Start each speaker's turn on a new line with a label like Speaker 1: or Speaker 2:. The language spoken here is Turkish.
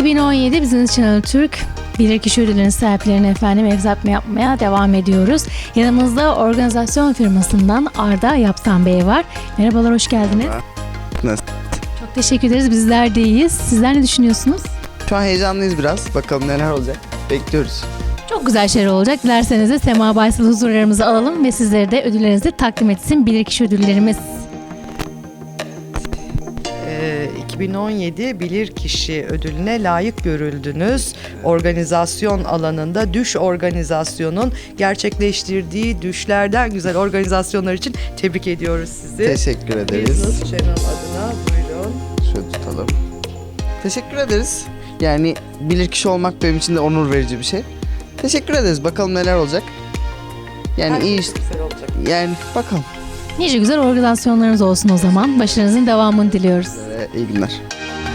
Speaker 1: 2017 Business Channel Türk bilirkişi ödülünün sahiplerine efendim ev yapmaya devam ediyoruz. Yanımızda organizasyon firmasından Arda Yapsan Bey var. Merhabalar, hoş geldiniz.
Speaker 2: Nasıl?
Speaker 1: Çok teşekkür ederiz. Bizler de iyiyiz. Sizler ne düşünüyorsunuz?
Speaker 2: Şu an heyecanlıyız biraz. Bakalım neler olacak. Bekliyoruz.
Speaker 1: Çok güzel şeyler olacak. Dilerseniz de Sema Baysal huzurlarımızı alalım ve sizlere de ödüllerinizi takdim etsin bilirkişi ödüllerimiz.
Speaker 3: 2017 Bilirkişi Ödülü'ne layık görüldünüz. Organizasyon alanında Düş Organizasyon'un gerçekleştirdiği düşlerden güzel organizasyonlar için tebrik ediyoruz sizi.
Speaker 2: Teşekkür ederiz.
Speaker 3: Business Channel adına buyurun.
Speaker 2: Şöyle tutalım. Teşekkür ederiz. Yani bilirkişi olmak benim için de onur verici bir şey. Teşekkür ederiz. Bakalım neler olacak. Yani
Speaker 3: Her
Speaker 2: iyi
Speaker 3: şey
Speaker 2: işte.
Speaker 3: güzel olacak.
Speaker 2: Yani bakalım.
Speaker 1: Nice güzel organizasyonlarınız olsun o zaman. Başarınızın devamını diliyoruz.
Speaker 2: İyi günler.